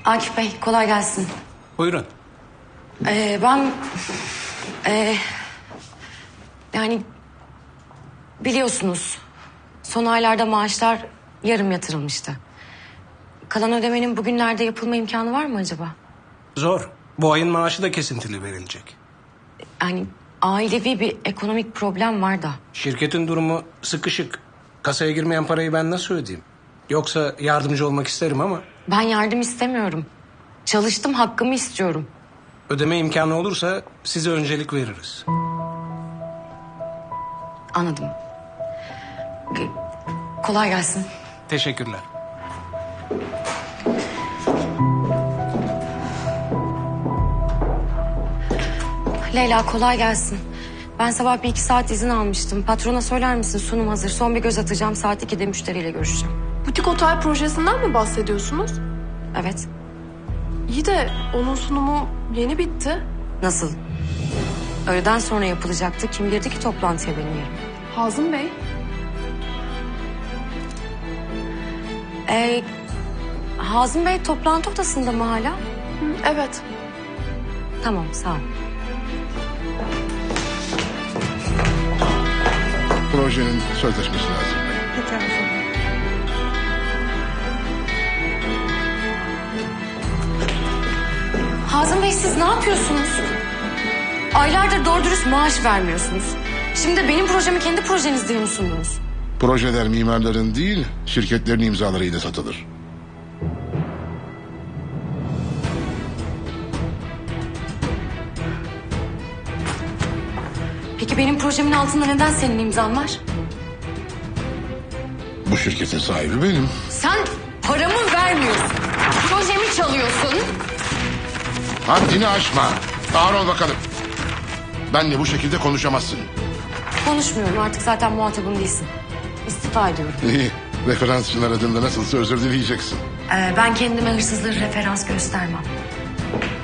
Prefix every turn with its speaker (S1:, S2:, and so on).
S1: Akif Bey, kolay gelsin.
S2: Buyurun.
S1: Ben... yani... biliyorsunuz... son aylarda maaşlar yarım yatırılmıştı. Kalan ödemenin bugünlerde yapılma imkanı var mı acaba?
S2: Zor. Bu ayın maaşı da kesintili verilecek.
S1: Yani ailevi bir ekonomik problem var da.
S2: Şirketin durumu sıkışık. Kasaya girmeyen parayı ben nasıl ödeyeyim? Yoksa yardımcı olmak isterim ama...
S1: Ben yardım istemiyorum. Çalıştım, hakkımı istiyorum.
S2: Ödeme imkanı olursa size öncelik veririz.
S1: Anladım. Kolay gelsin.
S2: Teşekkürler.
S1: Leyla, kolay gelsin. Ben sabah 1-2 saat izin almıştım. Patrona söyler misin, sunum hazır. Son bir göz atacağım, saat 2'de müşteriyle görüşeceğim.
S3: Butik otel projesinden mi bahsediyorsunuz?
S1: Evet.
S3: İyi de onun sunumu yeni bitti.
S1: Nasıl? Öğleden sonra yapılacaktı. Kim girdi ki toplantıya benim yerime?
S3: Hazım Bey.
S1: Hazım Bey toplantı odasında mı hala?
S3: Evet.
S1: Tamam, sağ ol.
S4: Projenin sözleşmesi lazım.
S1: Hazım Bey, siz ne yapıyorsunuz? Aylardır doğru dürüst maaş vermiyorsunuz. Şimdi de benim projemi kendi projeniz diye mi sundunuz?
S4: Projeler mimarların değil, şirketlerin imzalarıyla satılır.
S1: Peki benim projemin altında neden senin imzan var?
S4: Bu şirketin sahibi benim.
S1: Sen paramı vermiyorsun. Projemi çalıyorsun.
S4: Haddini aşma. Ağır ol bakalım. Benle bu şekilde konuşamazsın.
S1: Konuşmuyorum, artık zaten muhatabım değilsin. İstifa ediyorum.
S4: İyi. Referansçılar adında nasılsa özür dileyeceksin.
S1: Ben kendime hırsızları referans göstermem.